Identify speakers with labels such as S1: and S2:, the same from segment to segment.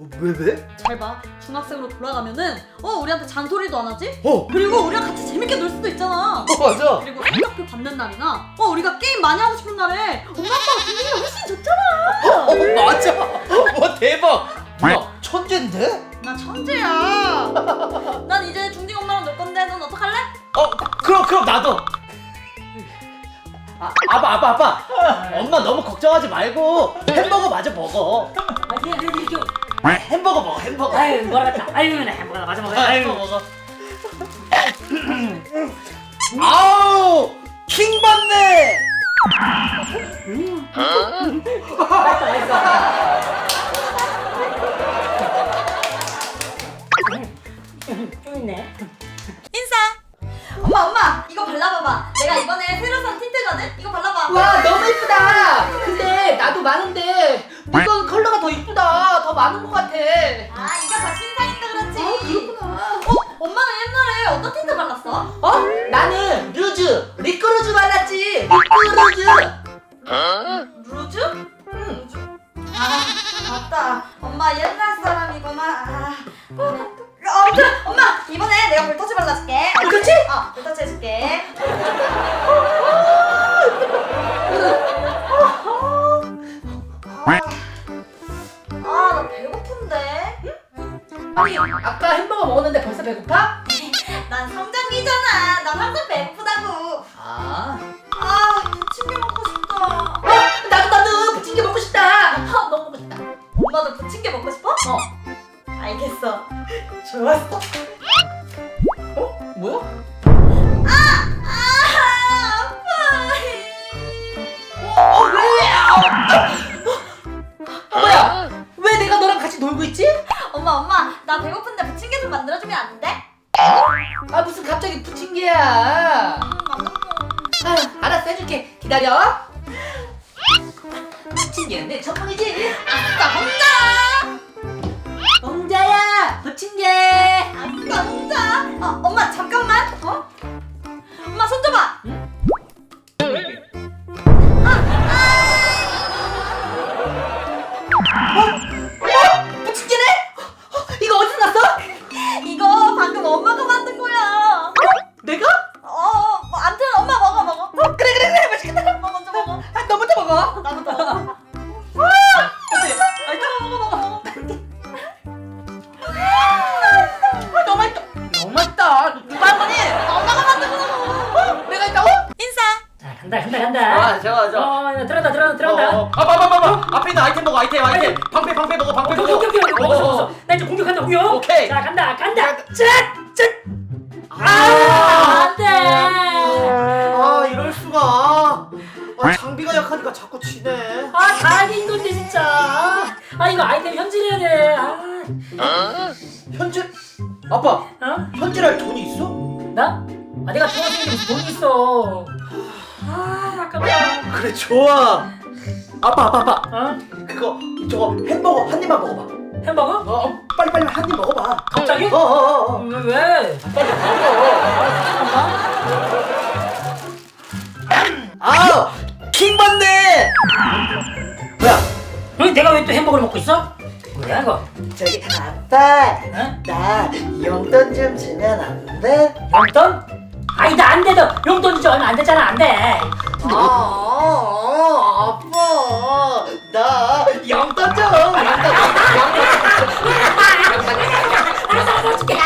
S1: 왜?
S2: 잘 봐. 중학생으로 돌아가면은 우리한테 잔소리도 안 하지?
S1: 어
S2: 그리고 우리랑 같이 재밌게 놀 수도 있잖아.
S1: 맞아.
S2: 그리고 성적표 받는 날이나 우리가 게임 많이 하고 싶은 날에 엄마 아빠가 준비가 훨씬 좋잖아.
S1: 맞아. 와 대박. 누나 천재인데?
S2: 나 천재야. 난 이제 중딩 엄마랑 놀 건데 넌 어떡할래?
S1: 그럼 나도. 아빠. 엄마 너무 걱정하지 말고 햄버거 마저 먹어. 햄버거 먹어 햄버거.
S3: 아유 뭐라겠다. 아유 햄버거 맞아 먹어.
S1: 햄버거 먹어. 아우 킹 받네.
S3: 좀 있네.
S2: 인사. 엄마 이거 발라봐봐. 내가 이번에 새로 산 틴트거든? 이거 발라봐.
S4: 와 너무 이쁘다. 근데 나도 많은데 이건 컬러가 더 이쁘다. 더 많은 것 같아.
S2: 아 이거 다 신상이니까 그렇지.
S4: 그렇구나.
S2: 엄마는 옛날에 어떤 틴트 발랐어?
S4: 나는 루즈, 리크루즈 발랐지. 리크루즈.
S2: 루즈? 응. 아 맞다. 엄마 옛날 사람이구나. 아무튼 엄마 이번에 내가 볼터치 발라줄게.
S4: 볼터치?
S2: 볼터치 해줄게. 나 배고픈데.
S4: 아니 아까 햄버거 먹었는데 벌써 배고파?
S2: 난 성장기잖아. 난 항상 배고프다고.
S4: 아.
S2: 부침개 먹고 싶다.
S4: 나도 부침개 먹고 싶다. 너무 먹고 싶다.
S2: 엄마도 부침개 먹고 싶어? 알겠어. 좋았어.
S4: 뭐야?
S2: 아파.
S4: 뭐야? 왜 내가 너랑 같이 놀고 있지?
S2: 엄마, 나 배고픈데 부침개 좀 만들어주면 안 돼?
S4: 무슨 갑자기 부침개야? 알았어 해줄게. 기다려. 부침개는 내 전문이지.
S2: 아싸, 혼자!
S4: 홍자야 부침개.
S2: 아싸, 혼자! 엄마, 잠깐만! 엄마, 손 줘봐!
S4: 부침개네? 이거 어디서 났어?
S2: 이거 방금 엄마가 만든 거야!
S4: 내가?
S2: 암튼 엄마 먹어.
S4: 그래 맛있겠다.
S2: 엄마 먼저 먹어.
S4: 너부터 먹어.
S2: 나부터 먹어. 먹어.
S4: 너무 맛있다. 너무 맛있다. 누가 한 거니?
S2: 엄마가 만든 거라고!
S4: 내가 있다고?
S2: 인사!
S3: 자 간다.
S1: 좋아.
S3: 들어간다.
S1: 앞에 있는 아이템 먹어 아이템. 방패 먹어
S3: 오케이. 먹었어. 나 이제 공격한다 공격.
S1: 오케이.
S3: 자 간다. 짠. 안돼.
S1: 이럴 수가. 장비가 약하니까 자꾸 지네.
S3: 다행인 건데 진짜. 이거 아이템 현질해야 돼.
S1: 현질? 아빠 현질할 돈이 있어?
S3: 나? 내가 중학생인데 무슨 돈이 있어. 아깝다.
S1: 그래 좋아. 아빠
S3: 어?
S1: 저거 햄버거 한 입만 먹어봐.
S3: 햄버거?
S1: 빨리 한 입 먹어봐.
S3: 갑자기? 왜?
S1: 빨리 먹어. 킹 받네. 뭐야?
S3: 내가 왜 또 햄버거를 먹고 있어? 뭐야 이거?
S1: 저기 아빠
S3: 어?
S1: 나 용돈 좀 주면 안 돼?
S3: 용돈? 나 안 돼. 너 용돈 주지 얼마 안 됐잖아. 안 돼.
S1: 아빠 나 용돈 좀.
S3: 알았어 줄게.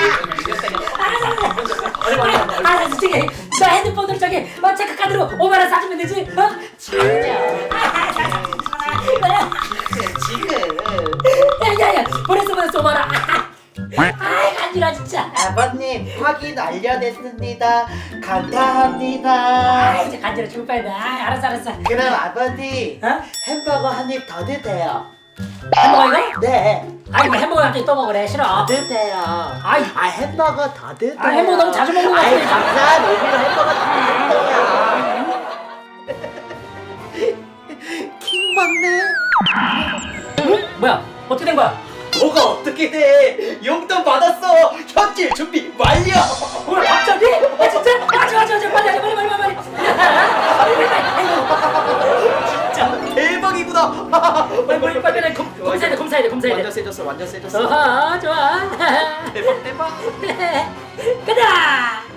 S3: 알았어 줄게. 너 핸드폰으로 체크카드로 5만 원 사주면 되지?
S1: 지금
S3: 야야야 보냈어 5만 원. 간지러 진짜.
S1: 아버님 확인 완료됐습니다. 감사합니다.
S3: 이제 간지러 죽을 뻔했네. 알았어.
S1: 그럼 아버지
S3: 어?
S1: 햄버거 한 입 더 드세요.
S3: 햄버거 이거?
S1: 네.
S3: 이거 햄버거 갑자기 또 먹으래. 싫어.
S1: 더 드세요. 햄버거 더 드세요.
S3: 햄버거 너무 자주 먹는 거 같아.
S1: 감사한 의미로 햄버거 더 드세요. 킹 받네.
S3: 뭐야? 어떻게 된 거야?
S1: 뭐가 어떻게 돼? 용돈 받았어. 현질 준비 완료.
S3: 뭐야 갑자기? 진짜? 좋아 빨리
S1: 진짜 대박이구나.
S3: 빨리 검사해야 돼 감사해.
S1: 완전 세졌어, 완전 세졌어.
S3: 좋아.
S1: 대박, 대박.
S3: 가자.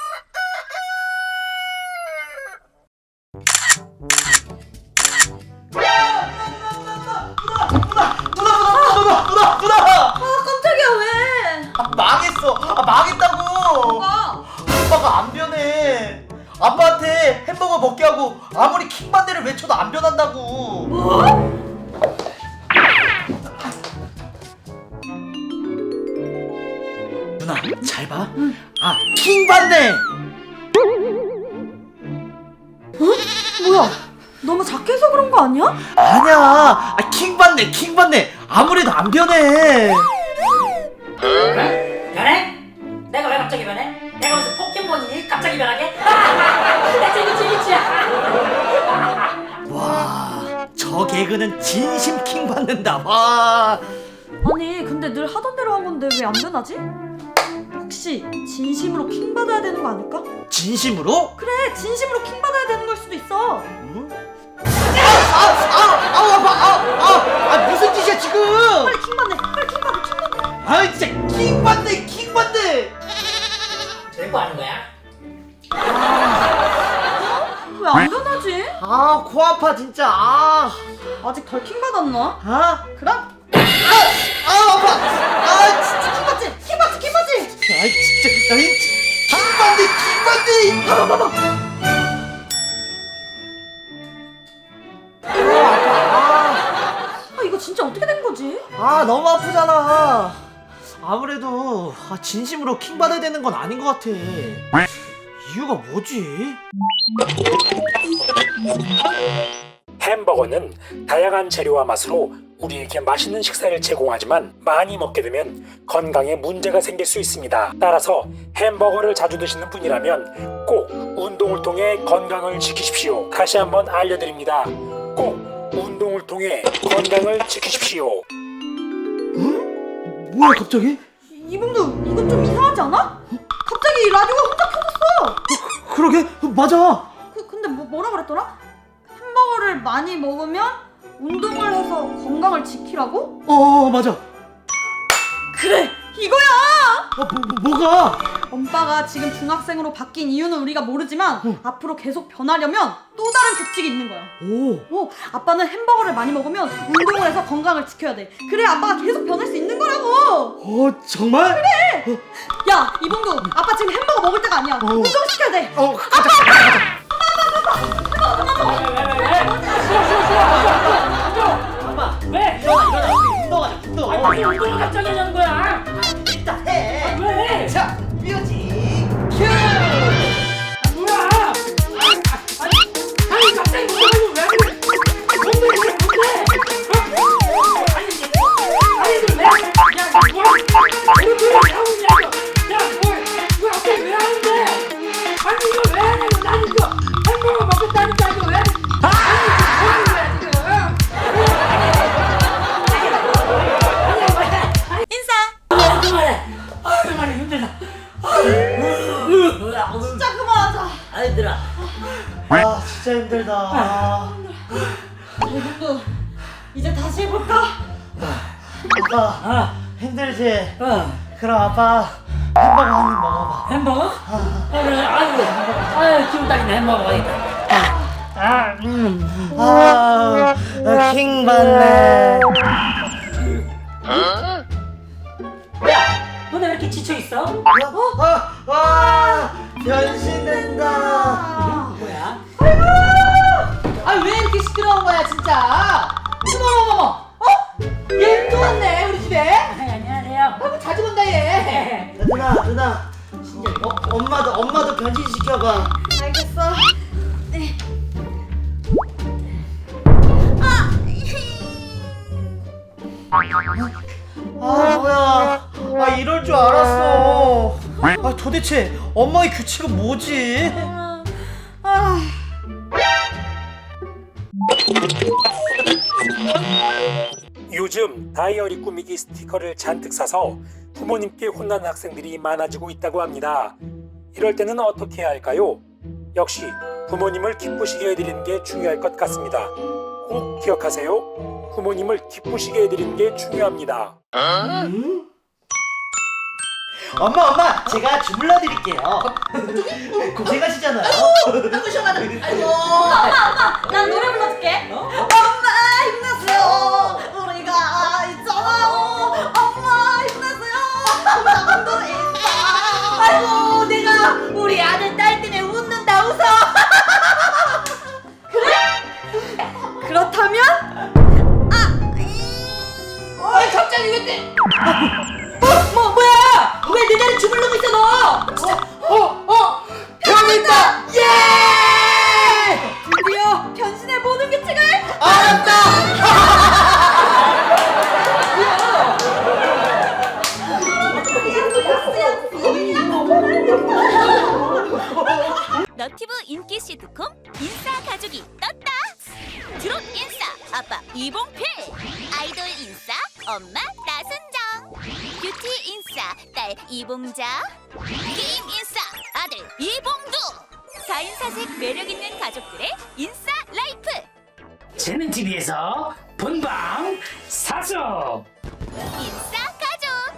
S1: 누나!
S2: 아 깜짝이야 왜?
S1: 아, 망했어. 아, 망했다고.
S2: 뭐가?
S1: 아빠가 안 변해. 아빠한테 햄버거 먹게 하고 아무리 킹반대를 외쳐도 안 변한다고.
S2: 뭐?
S1: 누나 잘 봐. 아 킹반대.
S2: 뭐야? 너무 작게 해서 그런 거 아니야?
S1: 아니야. 아 킹반대. 아무래도 안 변해.
S3: 변해? 내가 왜 갑자기 변해? 내가 무슨 포켓몬이니? 갑자기 변하게? 나 재밌지.
S1: 와, 저 개그는 진심 킹받는다. 와.
S2: 아니 근데 늘 하던 대로 한 건데 왜 안 변하지? 혹시 진심으로 킹 받아야 되는 거 아닐까?
S1: 진심으로?
S2: 그래 진심으로 킹 받아야 되는 걸 수도 있어.
S1: 응? 아파. 무슨 짓이야 지금?
S2: 빨리 킹 받네. 빨리 킹 받아.
S1: 아 진짜 킹받네.
S3: 될 거 아는 거야?
S2: 왜 안 변하지?
S1: 아 코 아파 진짜.
S2: 아직 덜 킹 받았나? 그럼
S1: 아파. 아 진짜.
S2: 킹 받지.
S1: 아이 진짜. 킹받네. 봐봐.
S2: 아 이거 진짜 어떻게 된 거지?
S1: 아 너무 아프잖아. 아무래도 진심으로 킹 받아야 되는 건 아닌 것 같아. 이유가 뭐지?
S5: 햄버거는 다양한 재료와 맛으로 우리에게 맛있는 식사를 제공하지만 많이 먹게 되면 건강에 문제가 생길 수 있습니다. 따라서 햄버거를 자주 드시는 분이라면 꼭 운동을 통해 건강을 지키십시오. 다시 한번 알려드립니다. 꼭 운동을 통해 건강을 지키십시오.
S1: 뭐야 갑자기?
S2: 이봉두 이건 좀 이상하지 않아? 갑자기 라디오가 혼자 켜졌어.
S1: 그러게 맞아.
S2: 근데 뭐라 그랬더라? 햄버거를 많이 먹으면 운동을 해서 건강을 지키라고?
S1: 맞아.
S2: 그래 이거야.
S1: 뭐가?
S2: 엄빠가 지금 중학생으로 바뀐 이유는 우리가 모르지만 앞으로 계속 변하려면 또 다른 규칙이 있는 거야. 아빠는 햄버거를 많이 먹으면 운동을 해서 건강을 지켜야 돼. 그래 아빠가 계속 변할 수 있는 거라고.
S1: 정말?
S2: 그래. 야 이봉두 아빠 지금 햄버거 먹을 때가 아니야. 운동시켜야 돼.
S1: 가자.
S3: 왜?
S1: 일어나 우리 운동하자.
S3: 아니 운동을 갑자기 하는 거야?
S1: 일단 해.
S3: 왜?
S1: 자 뮤직 큐.
S3: 뭐야? 아니 갑자기 운동을 왜 그래? 뭔데? 아니 이거 왜? 야 뭐야? 이거 왜 하고 있냐 이거? 야 뭘 갑자기 왜 하는데? 아니 이거 왜 하냐고 난 이거 햄버거 먹겠다니까 이거 왜? 아니 이거 뭐 하는 거야 지금? 그만해 힘들다.
S2: 진짜 그만하자.
S3: 힘들어.
S1: 진짜 힘들다.
S2: 이봉두 이제 다시 해볼까?
S1: 아빠 힘들지? 그럼 아빠 햄버거 한 입 먹어봐.
S3: 햄버거? 그래, 아유, 기분 딱이네, 햄버거 먹겠다.
S1: 킹 받네.
S3: 야, 너네 왜 이렇게 지쳐있어?
S1: 변신된다.
S3: 뭐야?
S4: 왜 이렇게 시끄러운 거야 진짜? 어머머머. 얘 또 왔네 우리 집에.
S3: 안녕하세요.
S4: 너무 자주 본다 얘.
S1: 누나 진짜 엄마도 변신시켜봐.
S2: 알겠어. 네.
S1: 뭐야. 이럴 줄 알았어. 도대체 엄마의 규칙은 뭐지?
S5: 요즘 다이어리 꾸미기 스티커를 잔뜩 사서 부모님께 혼나는 학생들이 많아지고 있다고 합니다. 이럴 때는 어떻게 해야 할까요? 역시 부모님을 기쁘시게 해드리는 게 중요할 것 같습니다. 꼭 기억하세요. 부모님을 기쁘시게 해드리는 게 중요합니다.
S1: 엄마, 제가 주물러 드릴게요. 고생하시잖아요.
S4: 아이고 시원하다. 아이고.
S2: 난 노래 불러줄게. 엄마 힘내세요. 우리가 있잖아요. 엄마 힘내세요. 나도 있어.
S4: 아이고 내가 우리 아들 딸 때문에 웃는다 웃어.
S2: 그렇다면
S4: 아이 갑자기 왜 때? 뭐야? 왜 내 다리 주물르고 있어 너? 진짜.
S3: 병 있다. 예!
S2: 드디어 변신의 모든 규칙을
S6: 너티브 인기 시트콤 인싸 가족이 떴다. 드롭 인싸 아빠 이봉필, 아이돌 인싸 엄마 나순정, 뷰티 인싸 딸 이봉자, 게임 인싸 아들 이봉두. 4인사색 매력있는 가족들의 인싸 라이프.
S3: 재능TV에서 본방 사수.
S6: 인싸 가족.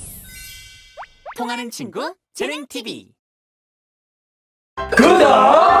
S7: 통하는 친구 재능 TV.
S3: 구독